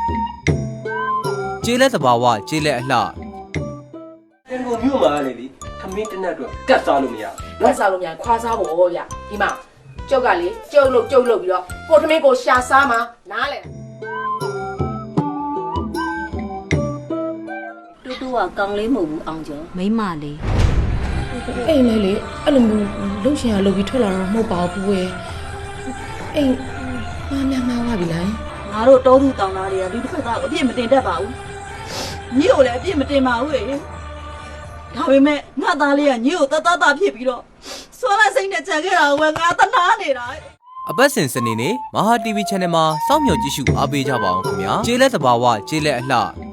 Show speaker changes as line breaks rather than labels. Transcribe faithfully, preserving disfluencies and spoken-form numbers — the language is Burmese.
ကျေးလက်သဘာဝကျေးလက်အလှ
တန်ကုန်မြို့မှာလေဒီခမင်းတနတ်တော့ကတ်စားလို့မရ
လက်စားလို့များခွာစားဖို့ဗျဒီမှာကျုပ်ကလေကျုပ်လို့ကျုပ်လို့ပြီးတော့ကိုသမင်းကိုရှာစားမှာနားလေ
တူတူကကောင်းလေးမဟုတ်ဘူးအောင်ကျော်မိမလေး
အိမ်လေလေအဲ့လိုမျိုးလှုပ်ရှင်ရလှုပ်ပြီးထွက်လာတော့မဟုတ်ပါဘူးကွယ်အိမ်မများများပါပြီလား
ငါတို့တောသူတောင်သားတွေကဒီတစ်ခါကအပြစ်မတင်တတ်ပါဘူးညီကိုလည်းအပြစ်မတင်ပါဘူးလေဒါပေမဲ့ငါသားလေးကညီကိုတတတဖြစ်ပြီးတော့ဆွမ်းလိုက်စိတ်နဲ့ကြံခဲ့တာကငါတနာနေတာ
အပတ်စဉ်စနေနေ့မဟာ တီဗီ channel မှာစောင့်မျှော်ကြည့်ရှုအားပေးကြပါအောင်ခင်ဗျာကျေးလက်သဘာဝကျေးလက်အလှ